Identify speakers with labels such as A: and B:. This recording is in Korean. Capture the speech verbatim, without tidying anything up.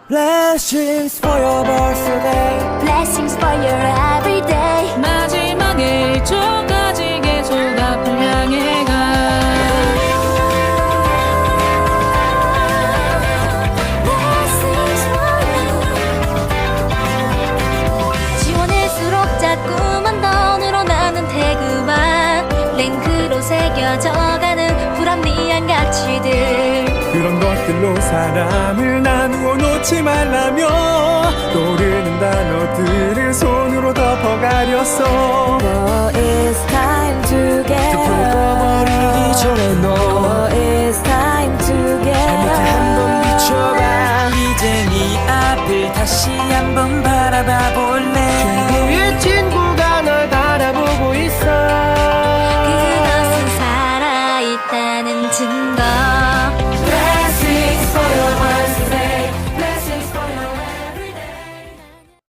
A: Blessings for your birthday.
B: Blessings for your everyday.
C: 마지막에 일 초까지 계속 앞을 향해 가.
B: Blessings for you. 지원할수록 자꾸만 더 늘어나는 태그와 랭크로 새겨져가는 불합리한 가치들.
A: 그런 것들로 사람을 나누어 놓지 말라며 떠오르는 단어들을 손으로 덮어가렸어.
D: No, it's time to get
A: 버리기 전에 너
D: No, it's time to get
A: 한번 비춰봐. 이제 네 앞을 다시 한번 바라봐 볼래. 최고의 친구가 널 바라보고 있어.
B: 그것은 살아있다는 증거.